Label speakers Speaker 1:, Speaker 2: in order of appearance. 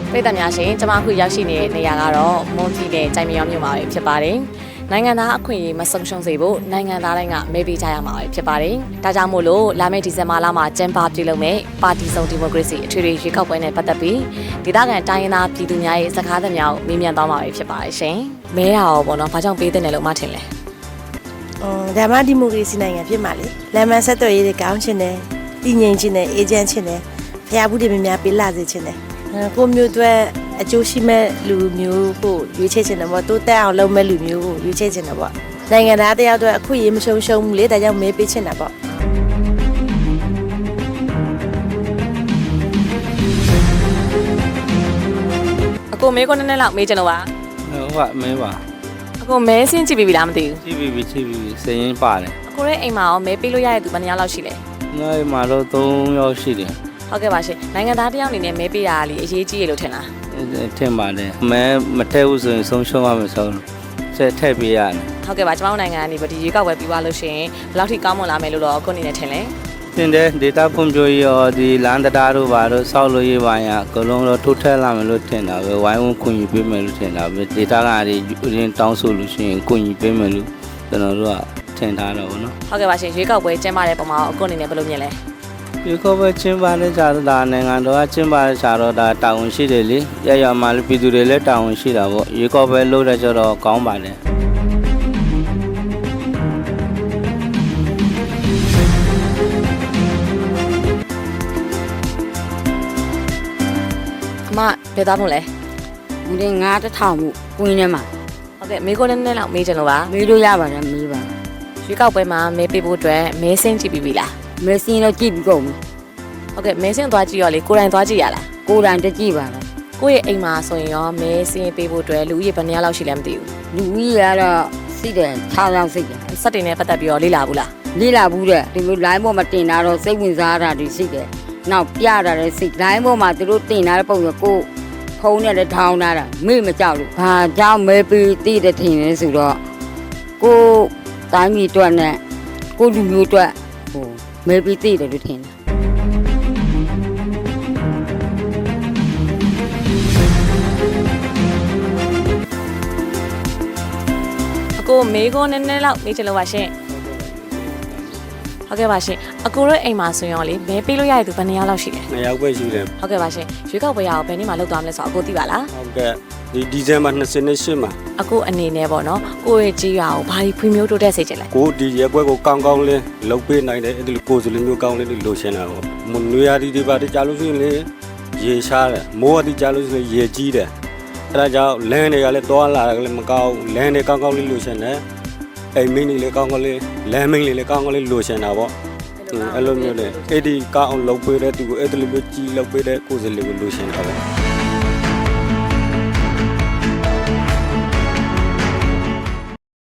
Speaker 1: ပြည်သူများရှင်ကျွန်မအခုရောက်ရှိနေတဲ့နေရာကတော့မွန်ပြည်နယ်ကြိုင်မြောင်းမြို့မှာဖြစ်ပါတယ်။နိုင်ငံသားအခွင့်အရေးမဆုံးရှုံးစေဖို့နိုင်ငံသားတိုင်းကမဲပေးကြရမှာဖြစ်ပါတယ်။ဒါကြောင့်မို့လို့လာမယ့်ဒီဇင်ဘာလမှာကျင်းပပြုလုပ်မယ့်ပါတီစုံဒီမိုကရေစီအထွေထွေရွေးကောက်ပွဲနဲ့ပတ်သက်ပြီးဒေသခံတိုင်းရင်းသားပြည်သူများရဲ့စကားသံများကိုမေးမြန်းသွားမှာဖြစ်ပါတယ်ရှင်။မဲတာရောပေါ့နော်။ဘာကြောင့်ပေးတဲ့နယ်လို့မှထင်လဲ
Speaker 2: ။ဒါမှဒီမိုကရေစီနိုင်ငံဖြစ်မှာလေ။လမ်းမဆက်သွယ်ရေးတွေကောင်းချင်တယ်။တည်ငြိမ်ချင်တယ်အေဂျင့်ချင်တယ်။ဖျားဘူးတွေများများပေးလာစေချင်တယ်။ကိုမျိုးတွေအကျိုးရှိမဲ့လူမျိုးကိုရွေးချယ်ချင်တယ်ပေါ့တိုးတက်အောင်လုပ်မဲ့လူမျိုးကိုရွေးချယ်ချင်တယ်ပေါ့နိုင်ငံသားတယောက်တော့အခွင့်အရေးမရှုံးဘူးလေဒါကြောင့်မဲပေးချင်တာပေါ့
Speaker 1: အကိုမဲကိုနည်းနည်းလောက်မေးချင်လို့ပါ
Speaker 3: ဟုတ်ပါမဲပါ
Speaker 1: အကိုမဲဆင်းကြည့်ပြီလားမသိဘူး
Speaker 3: ကြည့်ပြီစည်ရင်ပါတယ်
Speaker 1: အကိုရဲ့အိမ်မှာရောမဲပေးလို့ရတဲ့သူဘယ်နှယောက်လောက်ရှိလဲ
Speaker 3: ငါ့အိမ်မှာတော့3ယောက်ရှိတယ်
Speaker 1: ဟုတ်ကဲ့ပါရှင်နိုင်ငံသားတယောက်အနေနဲ့မဲပေးတာလေအရေးကြီးရလို့ထင်လား
Speaker 3: ထင်ပါတယ်မဲမထည့်ဘူးဆိုရင်ဆုံးရှုံးရမယ်ဆိုတော့ဆက်ထည့်ပေးရတယ်
Speaker 1: ဟုတ်ကဲ့ပါကျွန်တော်နိုင်ငံကနေဒီရွေးကောက်ပွဲပြီးသွားလို့ရှိရင်ဘယ်လောက်ထိကောင်းမွန်လာမယ်လို့တော့အခုအနေနဲ့ထင်လဲ
Speaker 3: တင်တယ်ဒေတာဖွံ့ဖြိုးရေးရောဒီလမ်းတရားတို့ပါတော့စောက်လို့ရေးပါရအကုန်လုံးတော့ထိုးထက်လာမယ်လို့ထင်တာပဲဝိုင်းဝန်းခွင့်ယူပေးမယ်လို့ထင်တာပဲဒေတာကရင်းတောင်းဆိုလို့ရှိရင်ခွင့်ယူပေးမယ်လို့ကျွန်တော်တို့ကထင်ထားတော့ဗောနော်
Speaker 1: ဟုတ်ကဲ့ပါရှင်ရွေးကောက်ပွဲကျင်းပတဲ့ပုံမှာအခုအနေနဲ့ဘယ်လိုမြင်လဲ
Speaker 3: ဒီကောပဲချင်းပါလဲကြတော့ဒါနိုင်ငံတော်ကချင်းပါလဲကြတော့ဒါတာဝန်ရှိတယ်လေရရမှာလူပြည်သူတွေလည်းတာဝန်ရှိတာပေါ့ရေကောပဲလို့တဲ့ကြတော့ကောင်းပါလေ
Speaker 1: အမဘယ်သားမို့လဲ
Speaker 4: ဦးလေး9000မှုကွင်းထဲမှာ
Speaker 1: ဟုတ်ကဲ့မေကိုနည်းနည်းလောက်မေးချင်လို့ပါ
Speaker 4: မေးလို့ရပါတယ်မေးပါ
Speaker 1: ရွေးကောက်ပွဲမှာမဲပေးဖို့အတွက်မဲစင်းကြည့်ပြီးပြီလား
Speaker 4: မဲစင်းတော့ကြည့်ပြီးကုန်ပြီ
Speaker 1: ဟုတ်ကဲ့မဲစင်းသွားကြည့်ရောလေကိုယ်တိုင်သွားကြည့်ရလား
Speaker 4: ကိုယ်တိုင်တကြည့်ပါလား
Speaker 1: ကိုယ့်ရဲ့အိမ်မှာဆိုရင်ရောမဲစင်းပေးဖို့အတွက်လူဦးရေဘယ်နှယောက်လောက်ရှိလဲမသိဘူး
Speaker 4: လူဦးရေကတော့စိတယ်6ယောက်စိတယ်
Speaker 1: စက်တင်နဲ့ပတ်သက်ပြီးတော့လေ့လာဘူးလား
Speaker 4: လေ့လာဘူးတဲ့ဒီလို line ပေါ်မှာတင်တာတော့စိတ်ဝင်စားတာတွေရှိတယ်နောက်ပြတာလည်းစိတ် line ပေါ်မှာသူတို့တင်ထားတဲ့ပုံစံကိုဖုန်းနဲ့လည်းထောင်းထားတာမေ့မကြောက်လို့ဘာကြောင့်မဲပေးသိတဲ့ထင်လဲဆိုတော့ကိုတိုင်းပြည်အတွက်နဲ့ကိုလူမျိုးအတွက်ဟိုမဲပေးသိတယ်လို့ထင်တယ်
Speaker 1: အကိုမေကိုနည်းနည်းလောက်မေးချင်လို့ပါရှင်ဟုတ်ကဲ့ပါရှင်အကိုတို့အိမ်မှာဆိုရင်လေမဲပေးလို့ရတဲ့သူဘယ်နှယောက်လောက်ရှိလဲ
Speaker 3: 2ယောက်ပဲရှိတယ်
Speaker 1: ဟုတ်ကဲ့ပါရှင်ရွေးကောက်ပွဲရအောင်ဘယ်နေ့မှလုပ်သွားမလဲဆိုတော့အကိုသိပါလား
Speaker 3: ဟုတ်ကဲ့ဒီဇင်ဘာ28မှာ
Speaker 1: အကိုအနေနဲ့ပေါ့နော်ကိုရဲ့ကြီးရွာကိုဘာဒီဖွံ့ဖြိုးတိုးတက်စေချင်လဲ
Speaker 3: ကိုဒီရဲပွဲကိုကောင်းကောင်းလေးလုပ်ပေးနိုင်တယ်အဲ့ဒီကိုယ်စလမျိုးကောင်းလေးလိုချင်တာပေါ့မနွေရာဒီတွေပါတကြားလို့ရှိရင်လေရေရှားတယ်မိုးရာဒီကြားလို့ရှိရင်ရေကြီးတယ်အဲ့ဒါကြောင့်လမ်းတွေကလည်းတောလာတယ်လည်းမကောင်းလမ်းတွေကောင်းကောင်းလေးလိုချင်တယ်အိမ်မင်းတွေလည်းကောင်းကောင်းလေးလမ်းမင်းတွေလည်းကောင်းကောင်းလေးလိုချင်တာပေါ့အဲ့လိုမျိုးလေအဲ့ဒီကောင်းအောင်လုပ်ပေးတဲ့သူကိုအဲ့ဒီလိုမျိုးကြီးလုပ်ပေးတဲ့ကိုယ်စလမျိုးလိုချင်တာပေါ့